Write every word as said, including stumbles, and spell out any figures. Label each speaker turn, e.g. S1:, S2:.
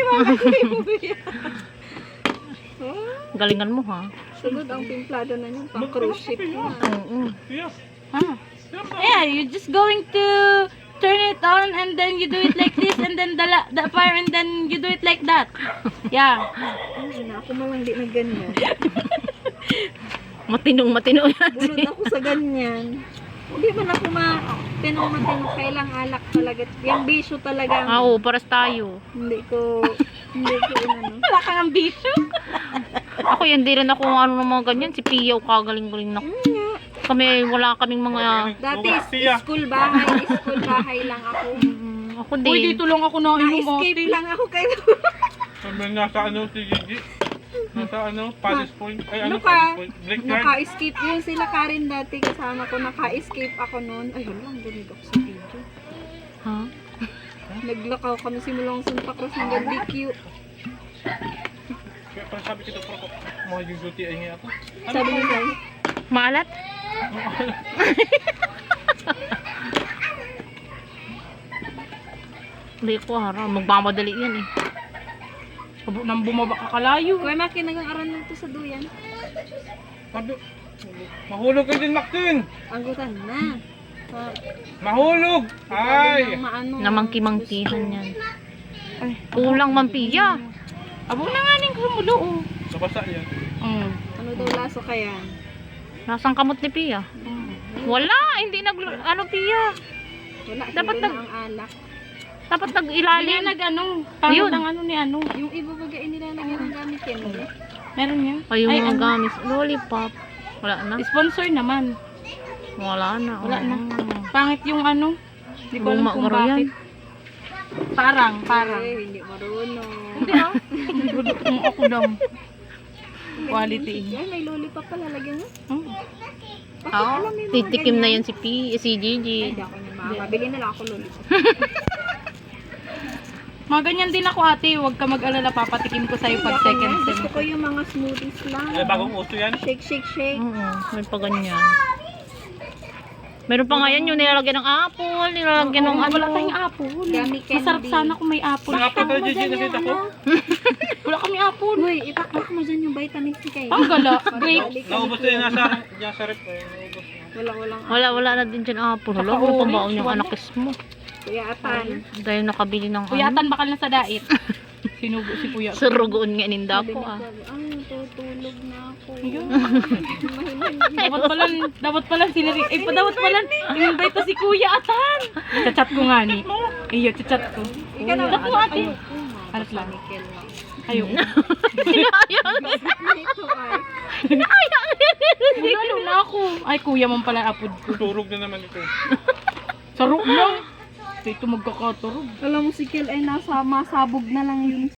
S1: wala sa'yo yan.
S2: Galingan mo ha.
S1: Sunod ang timplado na yun, pang cruise ship na.
S2: Oo.
S3: Yes.
S2: Huh? Yeah, you're just going to turn it on and then you do it like this and then the, la- the fire and then you do it like that. Yeah.
S1: Ay, na, ako malang di na ganyan.
S2: Matinong matino yan.
S1: Bulod ako sa ganyan. Hindi man ako ma tinong matino, kailang alak talaga. Yung bisyo talaga.
S2: Ah, oo, paras tayo.
S1: Hindi ko, hindi ko inano.
S2: Wala kang ambisyo. Ako yan, di rin ako ano ng mga ganyan. Si Pia, kagaling-galing na.
S1: Hmm, nga.
S2: Kami, wala kaming mga...
S1: Dati,
S3: Pia.
S1: school bahay, school bahay lang ako.
S2: Mm, ako din.
S4: Uy, dito lang ako na
S1: Na-escape lang ako kay
S3: Sabi nasa ano si Gigi. Nasa ano, Palace Point. Ay, ano,
S1: Naka,
S3: Palace Point. Brickyard.
S1: naka-escape yun sila Karen dati kasama ko, naka-escape ako noon. Ay, wala, ang ganig ako sa video.
S2: Ha?
S1: Naglakaw kami simulang Santa Cruz hanggang D Q.
S3: Kaya parang sabi ko ito, pero mga yung duty ay nga ako.
S1: Sabi ni Sai,
S2: Maalat? Hindi ko hara. Magmamadali yan eh.
S4: Abo nang bumaba ka kalayo.
S1: Kuya Maki, nagang-aral nito sa duyan.
S3: Sabi, mahulog ka din, Maxine!
S1: Anggutan na. Ah,
S3: Mahulog! Ay!
S1: ng maano,
S2: Namangki-mangkihan
S1: gusto.
S2: yan. Ay, kulang man Pia.
S4: Abo na nga ning kumulo oh.
S3: Nabasa yan.
S4: Mm.
S1: Ano daw laso kaya?
S2: Nasang kamot ni Pia? Wala, hindi nag... Ano Pia?
S1: Wala,
S2: Dapat
S1: hilo
S2: nag-
S1: na ang alak.
S2: Dapat
S4: Hindi
S2: nag-ilalim.
S4: nag ano, parang
S2: Yun.
S4: ng ano ni ano.
S1: Yung iba bagay nilalagyan ng gamit yan. Eh.
S4: Meron yan.
S2: Ay, yung mga
S4: ano,
S2: gamis. Lollipop. Wala na.
S4: sponsor naman.
S2: Wala na.
S4: Wala na.
S2: Ah.
S4: Pangit yung ano. Hindi ko alam
S2: Luma
S4: kung
S2: garo yan.
S4: bakit. Parang, parang.
S1: Eh, hindi marunong.
S4: Hindi ah. Gusto kong ako daw. Quality.
S1: Ay, may lollipop pala lagyan mo.
S4: Hmm.
S1: Bakit
S2: Oo.
S1: alam mo yung mga
S2: Titikim na
S1: ganyan?
S2: yan si P, si
S1: Ay,
S2: Gigi.
S1: di ako niya mga. Mabili na lang ako lollipop.
S4: Mga ganyan din ako ate. Huwag ka mag-alala. Papatikim ko sa'yo pag
S1: Hindi ako
S4: second
S1: niya.
S4: sem.
S1: Gusto ko yung mga smoothies lang.
S3: Eh, bagong uso yan.
S1: Shake, shake, shake.
S2: Oo, may pa ganyan. Meron pa nga yan yung nilalagyan ng apple, nilalagyan ng
S4: Oo,
S2: ano.
S4: wala tayong apple.
S1: Gummy candy.
S4: Masarap sana kung may apple.
S3: Mga apple tayo, Gigi, nakita ko.
S4: Wala kami apple.
S1: Uy, itakpak mo dyan yung vitamin C kayo.
S4: Ang gala. Grape.
S3: Naubos na yun, nasa, nasa rep. eh, Naubos na.
S1: Wala, walang
S2: Wala, wala na din dyan apple. Hala, ano pa baon yung
S4: Wala.
S2: anakis mo?
S1: Kuya Atan.
S2: Dahil nakabili ng ano.
S4: Kuyatan bakal na sa dait. Sinubo si kuya.
S2: Surugoon nga ninda
S1: Sabi
S2: ko
S1: ni
S2: ah.
S1: Kuya, ay, tutulog na ako.
S4: Ayun.
S1: Mahinig.
S4: Dapat pala, dapat pala sinari, eh, pa dapat pala, in-invite to si Kuya Atan. Chat ko nga ni. Iyo, chat ko.
S1: Ikaw na
S4: Chat mo ate.
S1: Ano
S4: Alas lang.
S1: Nickel lang.
S4: Ayaw.
S1: Ito ay.
S4: Lalo na ako. Ay, kuya man pala apod ko.
S3: Turog na naman ito.
S4: Sarok lang. Ito magkakaturog.
S1: Alam mo si Kel ay nasa masabog na lang yun